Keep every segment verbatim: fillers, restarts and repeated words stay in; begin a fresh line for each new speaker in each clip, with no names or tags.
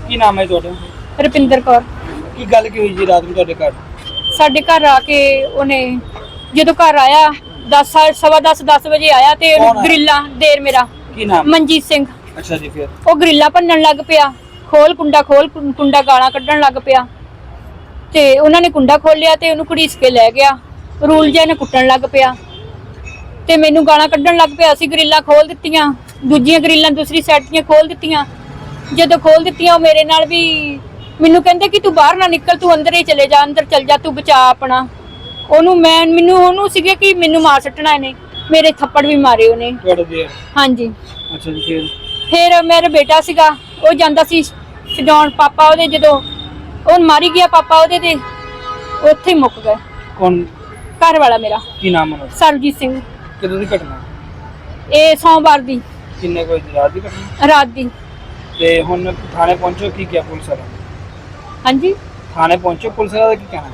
ਕੀ ਨਾਮ ਹੈ ਤੁਹਾਡਾ?
ਰੁਪਿੰਦਰ ਕੌਰ।
ਕੀ ਗੱਲ ਕੀ ਹੋਈ ਜੀ ਰਾਤ ਨੂੰ ਤੁਹਾਡੇ ਘਰ?
ਸਾਡੇ ਘਰ ਆ ਕੇ ਉਹਨੇ ਜਦੋਂ ਘਰ ਆਇਆ ਦਸ ਸਵਾ ਦਸ ਦਸ ਵਜੇ ਆਇਆ ਤੇ ਗਰਿੱਲਾ ਦੇਰ ਮੇਰਾ
ਕੀ ਨਾਮ?
ਮਨਜੀਤ ਸਿੰਘ।
ਅੱਛਾ ਜੀ, ਫਿਰ
ਉਹ ਗਰਿੱਲਾ ਭੰਨਣ ਲੱਗ ਪਿਆ, ਖੋਲ ਕੁੰਡਾ ਖੋਲ ਕੁੰਡਾ ਗਾਲਾਂ ਕੱਢਣ ਲੱਗ ਪਿਆ ਤੇ ਉਹਨਾਂ ਨੇ ਕੁੰਡਾ ਖੋਲਿਆ ਤੇ ਉਹਨੂੰ ਘੜੀਸ ਕੇ ਲੈ ਗਿਆ। ਰੂਲ ਜਿਹਾ ਨੇ ਕੁੱਟਣ ਲੱਗ ਪਿਆ ਤੇ ਮੈਨੂੰ ਗਾਲਾਂ ਕੱਢਣ ਲੱਗ ਪਿਆ। ਅਸੀਂ ਗਰਿੱਲਾਂ ਖੋਲ ਦਿੱਤੀਆਂ, ਦੂਜੀਆਂ ਗਰਿੱਲਾਂ ਦੂਸਰੀ ਸਾਈਡ ਦੀਆਂ ਖੋਲ ਦਿੱਤੀਆਂ। ਜਦੋਂ ਖੋਲ ਦਿੱਤੀਆਂ ਉਹ ਮੇਰੇ ਨਾਲ ਵੀ ਮੈਨੂੰ ਕਹਿੰਦੇ ਕਿ ਤੂੰ ਬਾਹਰ ਨਾ ਨਿਕਲ, ਤੂੰ ਅੰਦਰ ਹੀ ਚਲੇ ਜਾ, ਅੰਦਰ ਚਲ ਜਾ, ਤੂੰ ਬਚਾ ਆਪਣਾ। ਉਹਨੂੰ ਮੈਂ ਮੈਨੂੰ ਉਹਨੂੰ ਸੀਗੇ ਕਿ ਮੈਨੂੰ ਮਾਰ ਸੱਟਣਾ ਇਹਨੇ, ਮੇਰੇ ਥੱਪੜ ਵੀ ਮਾਰੇ ਉਹਨੇ।
ਤੁਹਾਡੇ ਦੇ?
ਹਾਂਜੀ।
ਅੱਛਾ ਜੀ, ਫਿਰ
ਫਿਰ ਮੇਰਾ ਬੇਟਾ ਸੀਗਾ, ਉਹ ਜਾਂਦਾ ਸੀ ਛਡਾਉਣ, ਪਾਪਾ ਉਹਦੇ ਜਦੋਂ ਉਹ ਮਾਰੀ ਗਿਆ ਪਾਪਾ ਉਹਦੇ ਤੇ ਉੱਥੇ ਹੀ ਮੁੱਕ ਗਏ।
ਕੌਣ?
ਘਰ ਵਾਲਾ ਮੇਰਾ।
ਕੀ ਨਾਮ ਹੈ?
ਸਰਬਜੀਤ ਸਿੰਘ।
ਕਦੋਂ ਦੀ ਘਟਨਾ?
ਇਹ ਸੋਮਵਾਰ ਦੀ
ਕਿੰਨੇ ਕੋਈ ਰਾਤ ਦੀ ਘਟਨਾ?
ਰਾਤ ਦੀ।
ਤੇ ਹੁਣ ਥਾਣੇ ਪਹੁੰਚੋ, ਕੀ ਕਿਹਾ ਪੁਲਿਸ ਵਾਲਾ?
ਹਾਂਜੀ,
ਥਾਣੇ ਪਹੁੰਚੋ, ਪੁਲਿਸ ਵਾਲਾ ਦਾ ਕੀ ਕਹਿਣਾ?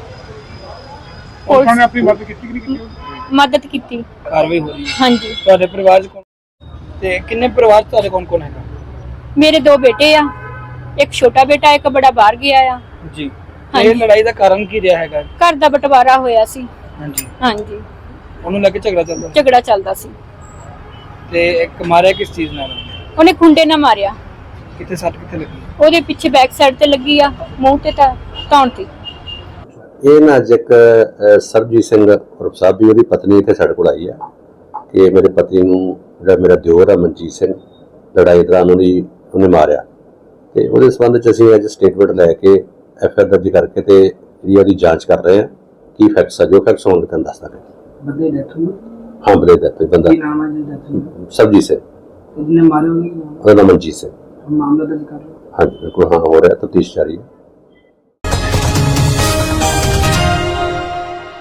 ਪੁਲਿਸ
ਨੇ ਆਪਣੀ ਮਦਦ ਕੀਤੀ ਕਿ ਨਹੀਂ ਕੀਤੀ?
ਮਦਦ ਕੀਤੀ।
ਕਾਰਵਾਈ ਹੋ ਰਹੀ ਹੈ?
ਹਾਂਜੀ।
ਤੁਹਾਡੇ ਪਰਿਵਾਰ ਚ ਕੌਣ ਤੇ ਕਿੰਨੇ ਪਰਿਵਾਰ ਚ ਤੁਹਾਡੇ ਕੌਣ ਕੌਣ ਹੈਗਾ?
ਮੇਰੇ ਦੋ ਬੇਟੇ ਆ, ਇੱਕ ਛੋਟਾ ਬੇਟਾ, ਇੱਕ ਬੜਾ ਬਾਹਰ ਗਿਆ ਆ
ਜੀ। ਇਹ ਲੜਾਈ ਦਾ ਕਾਰਨ ਕੀ ਰਿਹਾ ਹੈਗਾ?
ਘਰ ਦਾ ਬਟਵਾਰਾ ਹੋਇਆ ਸੀ।
ਹਾਂਜੀ।
ਹਾਂਜੀ,
ਉਹਨੂੰ ਲੈ ਕੇ ਝਗੜਾ ਚੱਲਦਾ?
ਝਗੜਾ ਚੱਲਦਾ ਸੀ।
ਤੇ ਇੱਕ ਮਾਰਿਆ ਕਿਸ ਚੀਜ਼ ਨਾਲ?
ਉਹਨੇ ਖੁੰਡੇ ਨਾਲ ਮਾਰਿਆ।
ਕਿੱਥੇ ਸੱਟ ਕਿੱਥੇ ਲੱਗੀ?
ਉਹਦੇ ਪਿੱਛੇ ਬੈਕ ਸਾਈਡ ਤੇ ਲੱਗੀ ਆ, ਮੂੰਹ ਤੇ ਤਾਂ ਧੌਣ ਤੇ।
ਇਹ ਨਾ ਅੱਜ ਇੱਕ ਸਰਬਜੀਤ ਸਿੰਘ ਉਰਫ ਸਾਬੀ, ਉਹਦੀ ਪਤਨੀ ਇੱਥੇ ਸਾਡੇ ਕੋਲ ਆਈ ਆ ਕਿ ਮੇਰੇ ਪਤੀ ਨੂੰ ਜਿਹੜਾ ਮੇਰਾ ਦਿਓਰ ਆ ਮਨਜੀਤ ਸਿੰਘ, ਲੜਾਈ ਦੌਰਾਨ ਉਹਦੀ ਉਹਨੇ ਮਾਰਿਆ। ਤੇ ਉਹਦੇ ਸੰਬੰਧ 'ਚ ਅਸੀਂ ਅੱਜ ਸਟੇਟਮੈਂਟ ਲੈ ਕੇ ਐਫ ਆਈ ਆਰ ਦਰਜ ਕਰਕੇ ਤੇ ਜਿਹੜੀ ਉਹਦੀ ਜਾਂਚ ਕਰ ਰਹੇ ਹਾਂ। ਕੀ ਫੈਕਟਸ ਆ, ਜੋ ਫੈਕਟਸ ਹੋਣਗੇ ਤੁਹਾਨੂੰ ਦੱਸ ਦਾਂਗੇ।
ਬੰਦੇ ਡੈਥ ਹੋਈ?
ਹਾਂ, ਬੰਦੇ ਡੈਥ ਹੋਈ। ਬੰਦਾ
ਕੀ ਨਾਮ ਹੈ ਜੀ ਡੈਥ ਹੋਈ?
ਸਰਬਜੀਤ ਸਿੰਘ।
ਜਿਹਨੇ ਮਾਰੇ ਉਹਨੇ ਕੀ ਨਾਮ?
ਉਹਦਾ ਨਾਮ ਮਨਜੀਤ ਸਿੰਘ।
ਮਾਮਲਾ ਦਰਜ ਕਰ ਲਓ।
ਹਾਂਜੀ ਬਿਲਕੁਲ, ਹਾਂ ਹੋ ਰਿਹਾ, ਤਫਤੀਸ਼ ਜਾਰੀ ਹੈ।